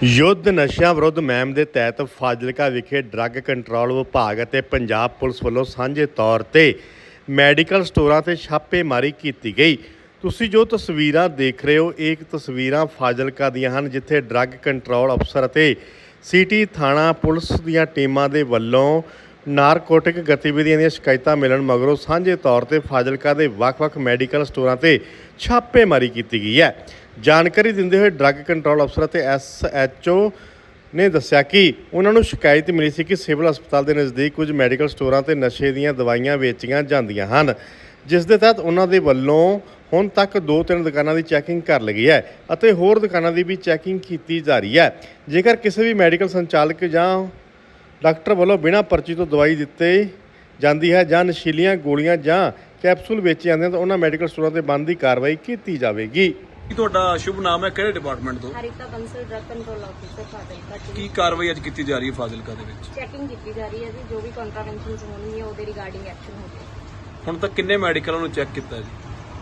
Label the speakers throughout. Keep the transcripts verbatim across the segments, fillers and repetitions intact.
Speaker 1: ਯੁੱਧ ਨਸ਼ਿਆਂ ਵਿਰੁੱਧ ਮੁਹਿੰਮ ਦੇ ਤਹਿਤ ਫਾਜ਼ਿਲਕਾ ਵਿਖੇ ਡਰੱਗ ਕੰਟਰੋਲ ਵਿਭਾਗ ਅਤੇ ਪੰਜਾਬ ਪੁਲਿਸ ਵੱਲੋਂ ਸਾਂਝੇ ਤੌਰ ਤੇ ਮੈਡੀਕਲ ਸਟੋਰਾਂ ਤੇ ਛਾਪੇਮਾਰੀ ਕੀਤੀ ਗਈ। ਤੁਸੀਂ ਜੋ ਤਸਵੀਰਾਂ ਦੇਖ ਰਹੇ ਹੋ ਇਹ ਤਸਵੀਰਾਂ ਫਾਜ਼ਿਲਕਾ ਦੀਆਂ ਹਨ, ਜਿੱਥੇ ਡਰੱਗ ਕੰਟਰੋਲ ਅਫਸਰ ਅਤੇ ਸਿਟੀ ਥਾਣਾ ਪੁਲਿਸ ਦੀਆਂ ਟੀਮਾਂ ਦੇ ਵੱਲੋਂ ਨਾਰਕੋਟਿਕ ਗਤੀਵਿਧੀਆਂ ਦੀਆਂ ਸ਼ਿਕਾਇਤਾਂ ਮਿਲਣ ਮਗਰੋਂ ਸਾਂਝੇ ਤੌਰ ਤੇ ਫਾਜ਼ਿਲਕਾ ਦੇ ਵੱਖ-ਵੱਖ ਮੈਡੀਕਲ ਸਟੋਰਾਂ ਤੇ ਛਾਪੇਮਾਰੀ ਕੀਤੀ ਗਈ ਹੈ। ਜਾਣਕਾਰੀ ਦਿੰਦੇ ਹੋਏ ਡਰੱਗ ਕੰਟਰੋਲ ਅਫਸਰ ਅਤੇ ਐਸ ਐਚ ਓ ਨੇ ਦੱਸਿਆ ਕਿ ਉਹਨਾਂ ਨੂੰ ਸ਼ਿਕਾਇਤ ਮਿਲੀ ਸੀ ਕਿ ਸਿਵਲ ਹਸਪਤਾਲ ਦੇ ਨਜ਼ਦੀਕ ਕੁਝ ਮੈਡੀਕਲ ਸਟੋਰਾਂ ਤੇ ਨਸ਼ੇ ਦੀਆਂ ਦਵਾਈਆਂ ਵੇਚੀਆਂ ਜਾਂਦੀਆਂ ਹਨ, ਜਿਸ ਦੇ ਤਹਿਤ ਉਹਨਾਂ ਦੇ ਵੱਲੋਂ ਹੁਣ ਤੱਕ ਦੋ ਤਿੰਨ ਦੁਕਾਨਾਂ ਦੀ ਚੈਕਿੰਗ ਕਰ ਲਈ ਹੈ ਅਤੇ ਹੋਰ ਦੁਕਾਨਾਂ ਦੀ ਵੀ ਚੈਕਿੰਗ ਕੀਤੀ ਜਾ ਰਹੀ ਹੈ। ਜੇਕਰ ਕਿਸੇ ਵੀ ਮੈਡੀਕਲ ਸੰਚਾਲਕ ਜਾਂ ਡਾਕਟਰ ਵੱਲੋਂ ਬਿਨਾਂ ਪਰਚੀ ਤੋਂ ਦਵਾਈ ਦਿੱਤੀ ਜਾਂਦੀ ਹੈ ਜਾਂ ਨਸ਼ੀਲੀਆਂ ਗੋਲੀਆਂ ਜਾਂ ਕੈਪਸੂਲ ਵੇਚੇ ਜਾਂਦੇ ਹਨ ਤਾਂ ਉਹਨਾਂ ਮੈਡੀਕਲ ਸਟੋਰਾਂ ਤੇ ਬੰਦ ਦੀ ਕਾਰਵਾਈ ਕੀਤੀ ਜਾਵੇਗੀ।
Speaker 2: ਤੁਹਾਡਾ ਸ਼ੁਭ ਨਾਮ ਹੈ, ਕਿਹੜੇ ਡਿਪਾਰਟਮੈਂਟ ਤੋਂ?
Speaker 3: Harita Bansal drug control officer Fazilka.
Speaker 2: ਕੀ ਕਾਰਵਾਈ ਅੱਜ ਕੀਤੀ ਜਾ ਰਹੀ ਹੈ ਫਾਜ਼ਿਲਕਾ ਦੇ ਵਿੱਚ?
Speaker 3: ਚੈਕਿੰਗ ਕੀਤੀ ਜਾ ਰਹੀ ਹੈ ਜੀ, ਜੋ ਵੀ ਕੰਟਰਾਵੈਂਸ਼ਨਸ ਹੋਣਗੀਆਂ ਉਹਦੇ ਰਿਗਾਰਡਿੰਗ ਐਕਸ਼ਨ ਹੋਵੇ।
Speaker 2: ਹੁਣ ਤੱਕ ਕਿੰਨੇ ਮੈਡੀਕਲਾਂ ਨੂੰ ਚੈੱਕ ਕੀਤਾ ਜੀ?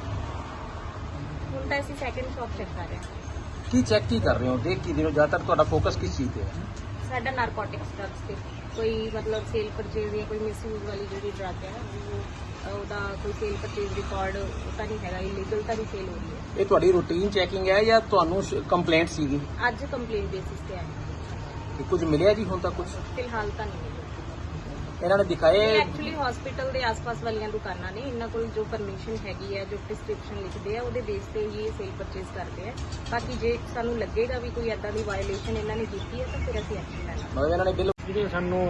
Speaker 3: ਹੁਣ ਤਾਂ ਅਸੀਂ ਸੈਕੰਡ ਸ਼ਾਪ ਚੈੱਕ ਕਰ ਰਹੇ ਹਾਂ।
Speaker 4: ਕੀ ਚੈੱਕ ਕੀ ਕਰ ਰਹੇ ਹੋ, ਦੇਖ ਕੀ ਰਹੇ ਹੋ, ਜ਼ਿਆਦਾਤਰ ਤੁਹਾਡਾ ਫੋਕਸ ਕਿਸ ਚੀਜ਼ ਤੇ ਹੈ?
Speaker 3: ਸਾਡਾ ਨਾਰਕੋਟਿਕਸ ਡਰੱਗਸ ਤੇ ਕੋਈ ਮਤਲਬ ਸੇਲ ਪਰਚੇਜ਼ ਜਾਂ ਕੋਈ ਮਿਸਯੂਜ਼ ਵਾਲੀ ਜਿਹੜੀ ਡਰੱਗ ਹੈ ਉਹ ਉਹਦਾ ਕੋਈ ਸੇਲ ਪਰਚੇਜ਼ ਰਿਕਾਰਡ ਤਾਂ ਨਹੀਂ ਹੈਗਾ, ਇਲੀਗਲ ਤਾਂ ਨਹੀਂ ਸੇਲ ਹੋ ਰਹੀ ਹੈ।
Speaker 4: ਇਹ ਤੁਹਾਡੀ ਰੂਟੀਨ ਚੈਕਿੰਗ ਹੈ ਜਾਂ ਤੁਹਾਨੂੰ ਕੰਪਲੇਂਟ ਸੀਗੀ?
Speaker 3: ਅੱਜ ਕੰਪਲੇਂਟ ਬੇਸਿਸ ਤੇ ਆਈ
Speaker 4: ਕਿ ਕੁਝ ਮਿਲਿਆ ਜੀ ਹੁਣ ਤੱਕ? ਕੁਝ
Speaker 3: ਫਿਲਹਾਲ ਤਾਂ ਨਹੀਂ ਮਿਲਿਆ।
Speaker 4: ਇਹਨਾਂ ਨੇ ਦਿਖਾਏ?
Speaker 3: ਐਕਚੁਅਲੀ ਹਸਪੀਟਲ ਦੇ ਆਸ-ਪਾਸ ਵਾਲੀਆਂ ਦੁਕਾਨਾਂ ਨੇ, ਇਹਨਾਂ ਕੋਲ ਜੋ ਪਰਮਿਸ਼ਨ ਹੈਗੀ ਹੈ, ਜੋ ਪ੍ਰਿਸਕ੍ਰਿਪਸ਼ਨ ਲਿਖਦੇ ਆ ਉਹਦੇ ਬੇਸ ਤੇ ਹੀ ਇਹ ਸੇਲ ਪਰਚੇਜ਼ ਕਰਦੇ ਆ। ਬਾਕੀ ਜੇ ਸਾਨੂੰ ਲੱਗੇਗਾ ਵੀ ਕੋਈ ਐਦਾਂ ਦੀ ਵਾਇਓਲੇਸ਼ਨ ਇਹਨਾਂ ਨੇ ਕੀਤੀ ਹੈ ਤਾਂ ਫਿਰ ਅਸੀਂ ਐਕਸ਼ਨ ਲੈਣਾ।
Speaker 4: ਮਤਲਬ ਇਹਨਾਂ ਨੇ ਬਿੱਲ
Speaker 5: ਜਿਹੜੇ ਸਾਨੂੰ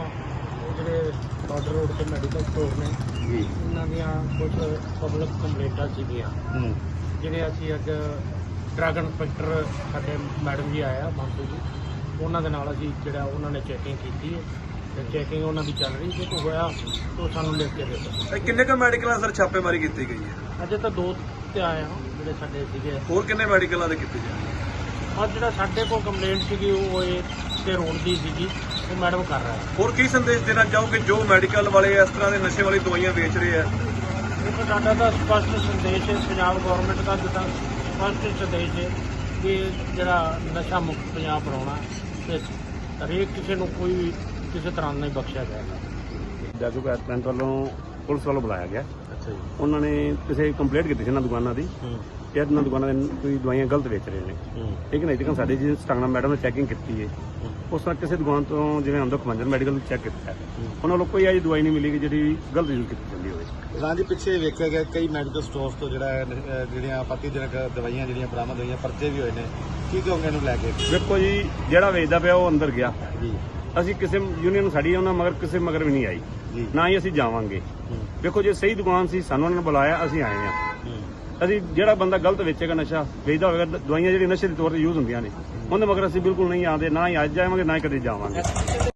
Speaker 5: ਜਿਹੜੇ ਬਾਰਡਰ ਰੋਡ ਤੇ ਮੈਡੀਕਲ ਸਟੋਰ ਨੇ
Speaker 1: ਜੀ
Speaker 5: ਇਹਨਾਂ ਦੀਆਂ ਕੁਝ ਪਬਲਿਕ ਕੰਪਲੇਂਟਾਂ ਸੀਗੀਆਂ, ਜਿਹੜੇ ਅਸੀਂ ਅੱਜ ਡਰੱਗ ਇੰਸਪੈਕਟਰ ਸਾਡੇ ਮੈਡਮ ਜੀ ਆਇਆ ਬਾਂਸੂ ਜੀ, ਉਹਨਾਂ ਦੇ ਨਾਲ ਅਸੀਂ ਜਿਹੜਾ ਉਹਨਾਂ ਨੇ ਚੈਕਿੰਗ ਕੀਤੀ ਹੈ ਤੇ ਚੈਕਿੰਗ ਉਹਨਾਂ ਦੀ ਚੱਲ ਰਹੀ, ਜੇ ਕੋਈ ਹੋਇਆ ਤਾਂ ਸਾਨੂੰ ਲਿਖ ਕੇ ਦੇ ਦਿਓ।
Speaker 2: ਇਹ ਕਿੰਨੇ ਕ ਮੈਡੀਕਲਾਂ ਸਰ ਛਾਪੇਮਾਰੀ ਕੀਤੀ ਗਈ ਹੈ?
Speaker 5: ਅਜੇ ਤਾਂ ਦੋ ਤੇ ਆਏ ਹਾਂ ਜਿਹੜੇ ਸਾਡੇ ਸੀਗੇ।
Speaker 2: ਹੋਰ ਕਿੰਨੇ ਮੈਡੀਕਲਾਂ ਦੇ ਕੀਤੀ ਜਾ?
Speaker 5: ਅੱਜ ਜਿਹੜਾ ਸਾਡੇ ਕੋਲ ਕੰਪਲੇਂਟ ਸੀਗੀ ਉਹ ਇਹ ਤੇ ਰੋਡ ਦੀ ਸੀਗੀ, ਉਹ ਮੈਡਮ ਕਰ ਰਿਹਾ ਹੈ।
Speaker 2: ਹੋਰ ਕੀ ਸੰਦੇਸ਼ ਦੇਣਾ ਚਾਹੋਗੇ ਜੋ ਮੈਡੀਕਲ ਵਾਲੇ ਇਸ ਤਰ੍ਹਾਂ ਦੇ ਨਸ਼ੇ ਵਾਲੀ ਦਵਾਈਆਂ ਵੇਚ ਰਹੇ ਆ?
Speaker 5: ਦੇਖੋ ਸਾਡਾ ਤਾਂ ਸਪਸ਼ਟ ਸੰਦੇਸ਼ ਹੈ, ਪੰਜਾਬ ਗੌਰਮੈਂਟ ਦਾ ਜਿੱਦਾਂ ਸਪਸ਼ਟ ਸੰਦੇਸ਼ ਹੈ ਕਿ ਜਿਹੜਾ ਨਸ਼ਾ ਮੁਕਤ ਪੰਜਾਬ ਬਣਾਉਣਾ ਤੇ ਹਰੇਕ ਕਿਸੇ ਨੂੰ ਕੋਈ ਵੀ ਕਿਸੇ ਤਰ੍ਹਾਂ ਨਹੀਂ ਬਖਸ਼ਿਆ ਜਾਏਗਾ।
Speaker 6: ਜਾਜੂ ਕੈਂਟ ਵੱਲੋਂ ਪੁਲਿਸ ਵੱਲੋਂ ਬੁਲਾਇਆ ਗਿਆ।
Speaker 5: ਅੱਛਾ ਜੀ।
Speaker 6: ਉਹਨਾਂ ਨੇ ਕਿਸੇ ਕੰਪਲੇਂਟ ਕੀਤੀ ਸੀ ਇਹਨਾਂ ਦੁਕਾਨਾਂ ਦੀ ਕਿ ਇਹਨਾਂ ਦੁਕਾਨਾਂ ਦੇ ਕੋਈ ਦਵਾਈਆਂ ਗਲਤ ਵੇਚ ਰਹੇ ਨੇ। ਲੇਕਿਨ ਅਜੇ ਤੱਕ ਸਾਡੇ ਜੀ ਸਟਾਂਗਣਾ ਮੈਡਮ ਨੇ ਚੈਕਿੰਗ ਕੀਤੀ ਹੈ, ਉਸ ਤਰ੍ਹਾਂ ਕਿਸੇ ਦੁਕਾਨ ਤੋਂ ਜਿਵੇਂ ਅੰਦਰ ਖਮੰਜਰ ਮੈਡੀਕਲ ਚੈੱਕ ਕੀਤਾ, ਉਹਨਾਂ ਵੱਲੋਂ ਕੋਈ ਅਜਿਹੀ ਦਵਾਈ ਨਹੀਂ ਮਿਲੀ ਕਿ ਜਿਹੜੀ ਗਲਤ ਯੂਜ਼ ਕੀਤੀ ਜਾਂਦੀ ਹੋਵੇ।
Speaker 7: ਰਾਂਝੀ ਪਿੱਛੇ ਵੇਖਿਆ ਗਿਆ ਕਈ ਮੈਡੀਕਲ ਸਟੋਰਸ ਤੋਂ ਜਿਹੜਾ ਹੈ, ਅਹ ਜਿਹੜੀਆਂ ਆਪੱਤੀਜਨਕ ਦਵਾਈਆਂ ਜਿਹੜੀਆਂ ਬਰਾਮਦ ਹੋਈਆਂ, ਪਰਚੇ ਵੀ ਹੋਏ ਨੇ। ਕੀ ਕਹੋਗੇ ਇਹਨੂੰ ਲੈ ਕੇ?
Speaker 6: ਵੇਖੋ ਜੀ, ਜਿਹੜਾ ਵੇਚਦਾ ਪਿਆ ਉਹ ਅੰਦਰ ਗਿਆ
Speaker 7: ਜੀ।
Speaker 6: ਅਸੀਂ ਕਿਸੇ ਯੂਨੀਅਨ ਸਾਡੀ ਉਹਨਾਂ ਮਗਰ ਕਿਸੇ ਮਗਰ ਵੀ ਨਹੀਂ ਆਈ, ਨਾ ਹੀ ਅਸੀਂ ਜਾਵਾਂਗੇ। ਵੇਖੋ ਜੇ ਸਹੀ ਦੁਕਾਨ ਸੀ ਸਾਨੂੰ ਉਹਨਾਂ ਨੇ ਬੁਲਾਇਆ, ਅਸੀਂ ਆਏ ਹਾਂ। ਅਸੀਂ ਜਿਹੜਾ ਬੰਦਾ ਗਲਤ ਵੇਚੇਗਾ, ਨਸ਼ਾ ਵੇਚਦਾ ਹੋਵੇਗਾ, ਦਵਾਈਆਂ ਜਿਹੜੀਆਂ ਨਸ਼ੇ ਦੇ ਤੌਰ ਤੇ ਯੂਜ਼ ਹੁੰਦੀਆਂ ਨੇ, ਉਹਦੇ ਮਗਰ ਅਸੀਂ ਬਿਲਕੁਲ ਨਹੀਂ ਆਉਂਦੇ, ਨਾ ਹੀ ਅੱਜ ਜਾਵਾਂਗੇ ਨਾ ਹੀ ਕਦੇ ਜਾਵਾਂਗੇ।